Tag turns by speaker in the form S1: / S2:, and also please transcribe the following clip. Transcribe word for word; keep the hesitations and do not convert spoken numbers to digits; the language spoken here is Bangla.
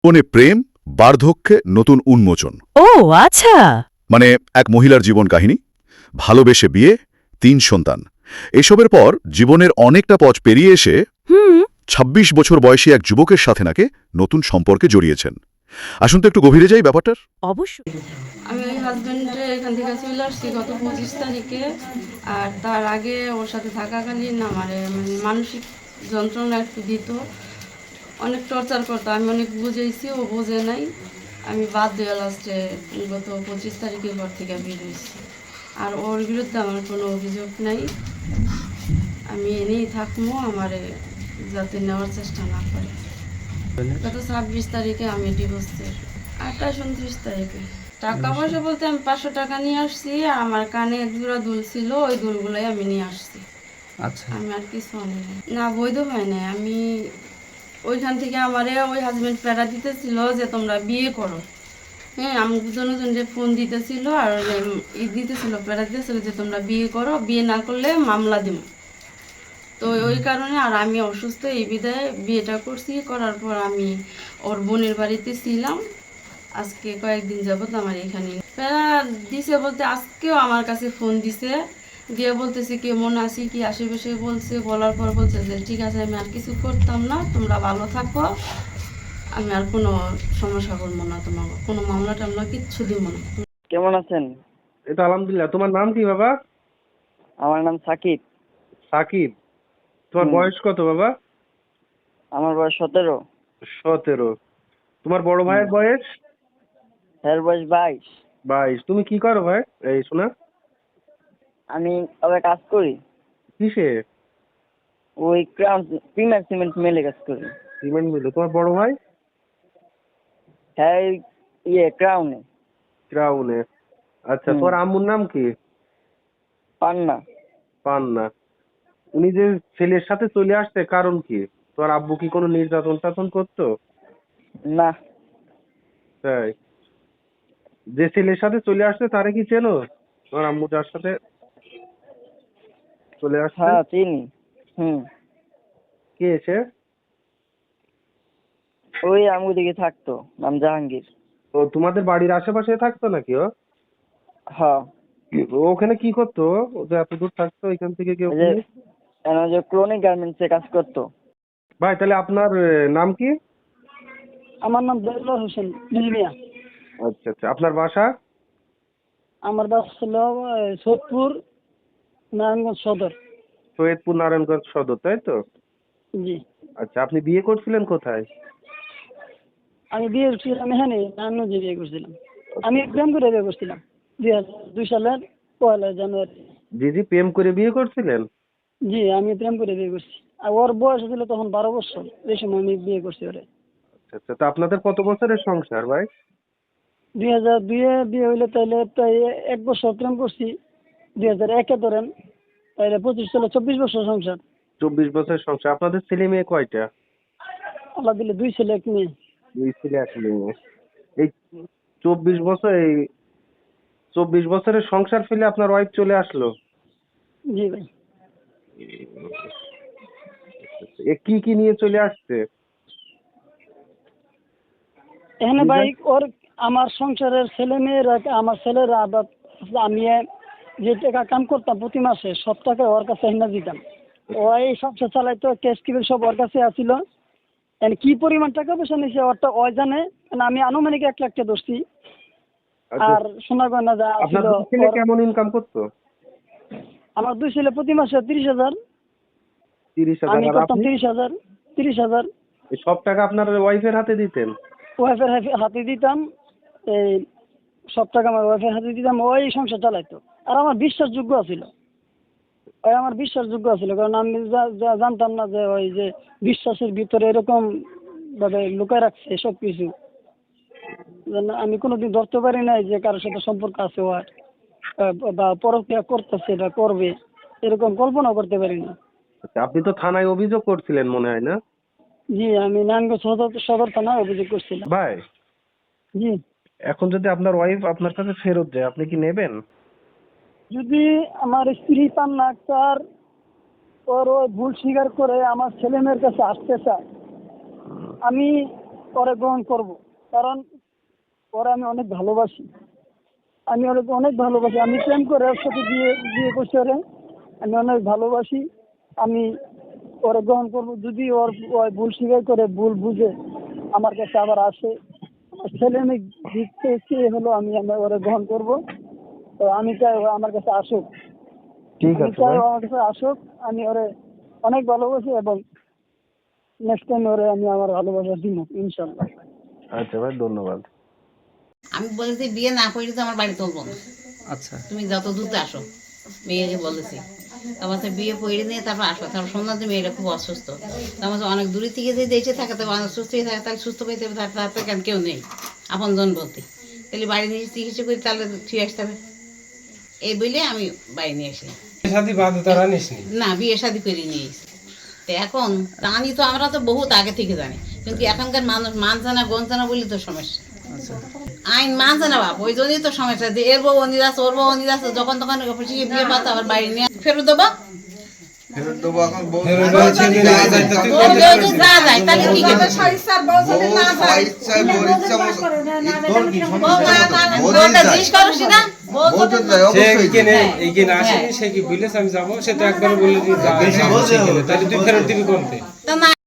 S1: জীবনে প্রেম, বার্ধক্যে নতুন উন্মোচন।
S2: ও আচ্ছা।
S1: মানে এক মহিলার জীবন কাহিনী, ভালোবেসে বিয়ে, তিন সন্তান। এসবের পর জীবনের অনেকটা পথ পেরিয়ে এসে
S2: হুম।
S1: ছাব্বিশ বছর বয়সী এক যুবকের সাথে নাকি নতুন সম্পর্কে জড়িয়েছেন। আসুন তো একটু গভীরে যাই ব্যাপারটার।
S2: অবশ্যই।
S3: আমি ওই হাজব্যান্ডে এখান থেকে চলে আসছি গত পঁচিশ তারিখে। আর তার আগে ওর সাথে থাকাকালীন আমার মানে মানসিক যন্ত্রণা একটু দিত, অনেক টর্চার করতো। আমি অনেক বুঝেছি, ও বোঝে নাই। আমি বাদ দিয়ে লাস্টে গত পঁচিশ তারিখের পর থেকে বেরিয়েছি। আর ওর বিরুদ্ধে আমার কোনো অভিযোগ নাই। আমি এনেই থাকবো, আমার যাতে নেওয়ার চেষ্টা না করে। গত ছাব্বিশ তারিখে আমি ডিভোর্সের, আঠাশ উনত্রিশ তারিখে। টাকা পয়সা বলতে আমি পাঁচশো টাকা নিয়ে আসছি, আর আমার কানে এক জোড়া দুল ছিল, ওই দুলগুলোই আমি নিয়ে আসছি।
S4: আচ্ছা,
S3: আমি আর কিছু আনি নাই। না, বৈধ হয় না। আমি ওইখান থেকে আমারে ওই হাজবেন্ড প্যারা দিতেছিল যে তোমরা বিয়ে করো। হ্যাঁ, আমি জনজনকে ফোন দিতেছিল আর ই দিতেছিল, প্যারা দিতেছিল যে তোমরা বিয়ে করো, বিয়ে না করলে মামলা দিব। তো ওই কারণে আর আমি অসুস্থ, এই বিদায় বিয়েটা করছি। করার পর আমি ওর বোনের বাড়িতে ছিলাম। আজকে কয়েকদিন যাবত আমার এখানে প্যারা দিছে বলতে আজকেও আমার কাছে ফোন দিছে, দিয়ে বলতেছে কেমন আছি, কি আশেপাশে বলছে। বলার পর বলছে যে ঠিক আছে, আমি আর কিছু করতাম না, তোমরা ভালো থাকো, আমি আর কোনো সমস্যা করবো না, তোমার কোনো মামলা টামলা কিচ্ছু দিব না।
S5: কেমন আছেন?
S4: এই তো আলহামদুলিল্লাহ। তোমার নাম কি বাবা?
S5: আমার নাম সাকিব।
S4: সাকিব। তোমার
S5: হুম।
S4: বয়স কত বাবা?
S5: আমার বয়স সতেরো।
S4: সতেরো। তোমার বড় ভাইয়ের বয়স?
S5: এর বয়স বাইশ।
S4: বাইশ। তুমি কি করো ভাই? এই শোনা,
S5: আমি তবে কাজ করি
S4: কিসে?
S5: ওই ক্রাউন প্রিমিয়ার সিমেন্ট মেলে কাজ করি।
S4: সিমেন্ট মিলে। তোমার বড় ভাই?
S5: হ্যাঁ, এই ইয়ে ক্রাউনে।
S4: ক্রাউনে। আচ্ছা,
S5: হুম।
S4: তোমার আম্মুর নাম কি?
S5: পান্না।
S4: পান্না। উনি যে ছেলের সাথে চলে আসছে কারণ কি? তোমার আব্বু কি কোনো নির্যাতন টাতন করতো?
S5: না।
S4: তাই? যে ছেলের সাথে চলে আসছে তারে কি চেনো? তোমার আম্মু যার সাথে চলে আসছে?
S5: হ্যাঁ, চিনি। হুম।
S4: কে সে?
S5: ওই আমগো দিকে থাকতো, নাম জাহাঙ্গীর।
S4: ও তোমাদের বাড়ির আশেপাশে থাকতো নাকি ও?
S5: হ্যাঁ।
S4: ও ওখানে কি করতো? ও যে এত দূর থাকতো এখান থেকে কেউ?
S5: ওই যে এনে যে ক্রনিক গার্মেন্টসে কাজ করতো।
S4: ভাই তাহলে আপনার আহ, নাম কি?
S6: আমার নাম দেলোয়ার হোসেন মিলমিয়া।
S4: আচ্ছা আচ্ছা, আপনার বাসা?
S6: আমার বাসা ছিল আহ, সোদপুর, নারায়ণগঞ্জ সদর।
S4: সৈয়দপুর নারায়ণগঞ্জ সদর, তাই তো?
S6: জি।
S4: আচ্ছা, আপনি বিয়ে করছিলেন কোথায়?
S6: আমি বিয়ে করছিলাম এখানে নারায়ণগঞ্জে বিয়ে করছিলাম। আমি প্রেম করে বিয়ে করছিলাম দুই হাজার দুই সালের পয়লা জানুয়ারি।
S4: জি জি, প্রেম করে বিয়ে করছিলেন?
S6: জি, আমি প্রেম করে বিয়ে করছি। আর ওর বয়স ছিল তখন বারো বছর, এই সময় আমি বিয়ে করছি ওরে।
S4: আচ্ছা আচ্ছা, তা আপনাদের কত বছরের সংসার ভাই?
S6: দুই হাজার দুইয়ে বিয়ে হইলে তাইলে প্রায় এক বছর প্রেম করছি। দুই হাজার একে ধরেন তাইলে পঁচিশ সালে চব্বিশ বছর সংসার।
S4: চব্বিশ বছরের সংসার। আপনাদের ছেলে মেয়ে কয়টা?
S6: আল্লাহ দিলে দুই ছেলে এক মেয়ে।
S4: দুই ছেলে এক মেয়ে। এই চব্বিশ বছর, এই চব্বিশ বছরের সংসার ফেলে আপনার ওয়াইফ চলে আসলো?
S6: জি ভাই।
S4: এ কি কি নিয়ে চলে আসছে?
S6: এখানে ভাই ওর আমার সংসারের ছেলে মেয়েরা, আমার ছেলেরা আবার আমি যে টাকা কাম করতাম প্রতি মাসে সব টাকা ওর কাছে এনে দিতাম। ও এই সংসার চালাইতো, ক্যাশ কিবিল সব ওর কাছে আসিল। এন কি পরিমাণ টাকা পয়সা নিছে ওরটা ওই জানে। মানে আমি আনুমানিক এক লাখ টাকা ধরছি।
S4: আচ্ছা,
S6: আর সোনা গয়না যা
S4: আপনার
S6: ছিল
S4: দুই ছেলে
S6: ওর-
S4: কেমন ইনকাম করতো?
S6: আমার দুই ছেলে প্রতি মাসে তিরিশ হাজার,
S4: তিরিশ হাজার।
S6: আমি
S4: আর
S6: করতাম
S4: আপনি?
S6: তিরিশ হাজার তিরিশ হাজার
S4: এই সব টাকা আপনার ওয়াইফের হাতে দিতেন?
S6: ওয়াইফের হাতে দিতাম। এই সব টাকা আমার ওয়াইফের হাতে দিতাম, ওই সংসার চালাইতো। আর আমার বিশ্বাসযোগ্য ছিল, ওই আমার বিশ্বাসযোগ্য ছিল। কারণ আমি যা- যা জানতাম না যে ওই যে বিশ্বাসের ভিতরে এরকম ভাবে লুকায় রাখছে সব কিছু। আমি কোনোদিন ধরতে পারি নাই যে কারোর সাথে সম্পর্ক আছে ওর, আহ, বা পরক্রিয়া করতেছে এটা করবে, এরকম কল্পনা করতে পারি না।
S4: আচ্ছা, আপনি তো থানায় অভিযোগ করছিলেন মনে হয় না?
S6: জি, আমি নারায়ণগঞ্জ সদর সদর থানায় অভিযোগ করছিলাম।
S4: ভাই,
S6: জি।
S4: এখন যদি আপনার ওয়াইফ আপনার কাছে ফেরত যায় আপনি কি নেবেন?
S6: যদি আমার স্ত্রী পান্না আক্তার ওর ওই ভুল স্বীকার করে আমার ছেলে মেয়ের কাছে আসতে চায়, আমি ওরে গ্রহণ করব, কারণ ওরে আমি অনেক ভালোবাসি। আমি ওরে অনেক ভালোবাসি। আমি প্রেম করে ওর সাথে বিয়ে বিয়ে করছি ওরে। আমি অনেক ভালোবাসি। আমি ওরে গ্রহণ করব। যদি ওর ওর ভুল স্বীকার করে, ভুল বুঝে আমার কাছে আবার আসে, আমার ছেলে মেয়ে দিচ্ছে সে হলো, আমি আমি ওরে গ্রহণ করব। তো আমি চাই ও আমার কাছে আসুক।
S4: ঠিক
S6: আমি
S4: আছে
S6: চাই
S4: ভাই।
S6: ও আমার কাছে আসুক। আমি ওরে অনেক ভালোবাসি এবং নেক্সট টাইম ওরে আমি আমার ভালোবাসা দিব ইনশাল্লাহ।
S4: আচ্ছা ভাই, ধন্যবাদ।
S2: আমি বলেছি বিয়ে না করলে তো আমার বাড়ি তুলবো না,
S7: আচ্ছা
S2: তুমি যত দ্রুত আসো, মেয়েকে বলেছি। তারপর তো বিয়ে পড়ে নিয়ে তারপর আসো। তারপর শুনলাম যে মেয়েটা খুব অসুস্থ। তারপর তো অনেক দূরে থেকে যদি এসে থাকে, তবে অনেক সুস্থ হয়ে থাকে, তাহলে সুস্থ পেতে হবে, তার তার কেন কেউ নেই আপন জন বলতে, তাহলে বাড়ি নিয়ে চিকিৎসা করি, তাহলে ঠিক আসতে হবে। এই বলে আমি বাড়ি নিয়ে আসি।
S7: শাদি বাধ্যতারা নিসনি?
S2: না, বিয়ে শাদি করে নিয়ে এসেছি। তো এখন জানি তো, আমরা তো বহুত আগে থেকে জানি, কিন্তু এখনকার মানুষ মানছে না, গনছে না বলে তো সমস্যা।
S7: আচ্ছা
S2: আইন মানছে না বাপ, ওই জন্যই তো সমস্যা, যে এর বউ অনির আছে, ওর বউ অনির আছে, যখন তখন অফিসে বিয়ে পাতে আবার বাড়ি নিয়ে ফেরত দেবো।
S8: ফেরত দেবো এখন বউ
S7: ফেরত দেওয়া ছেলে নিয়ে যায় তো তুই
S2: ওর বউ যদি না যায় তাহলে কি করবে?
S8: বউ স্বইচ্ছায় বউর ইচ্ছা মতো তোর কি
S2: বউ
S8: সমস্যা
S2: না-
S8: মতো? বউ
S2: বউটা
S8: যদি
S2: জিজ্ঞেস
S8: যায়,
S2: করছি না, বউ
S8: বউ যদি যায়,
S7: সে
S8: অবশ্যই
S7: এইখানে
S8: যাবে।
S7: এইখানে আসেনি, সে কি বলেছে আমি যাবো, সে তো একবার বলে দিয়ে যা
S8: বেশি বলছে।
S7: তাহলে তুই ফেরত দিবি কোনতে?
S2: তো না